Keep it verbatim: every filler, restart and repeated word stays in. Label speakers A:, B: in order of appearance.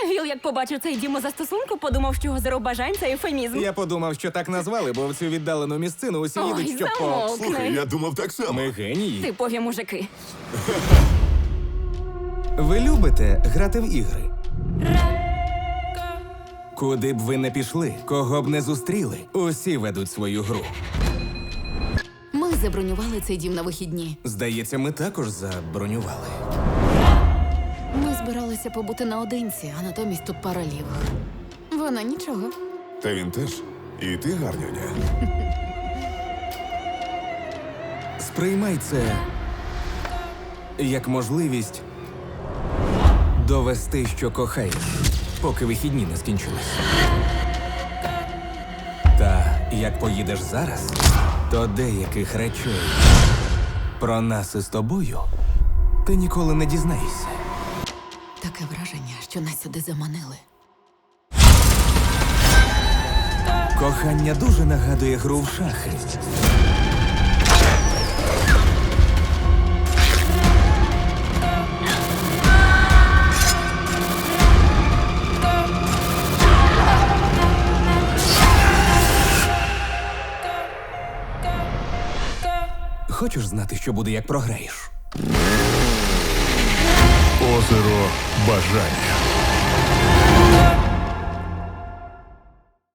A: Віл, як побачив цей дім застосунку, подумав, що озеро бажань – це ефемізм.
B: Я подумав, що так назвали, бо в цю віддалену місцину усі
A: Ой,
B: їдуть, щоб по...
A: замовкни.
C: Слухай, я думав так само.
B: Ми генії.
A: Типові мужики.
B: Ви любите грати в ігри? Куди б ви не пішли, кого б не зустріли, усі ведуть свою гру.
D: Ми забронювали цей дім на вихідні.
B: Здається, ми також забронювали.
D: Ми збиралися побути наодинці, а натомість тут пара лівих. Вона нічого.
C: Та він теж. І ти гарнюня.
B: Сприймай це як можливість довести, що кохаєш, поки вихідні не скінчились. Та як поїдеш зараз, то деяких речей про нас із тобою ти ніколи не дізнаєшся.
D: Таке враження, що нас сюди заманили.
B: Кохання дуже нагадує гру в шахи. Хочеш знати, що буде, як програєш?
E: Озеро бажання.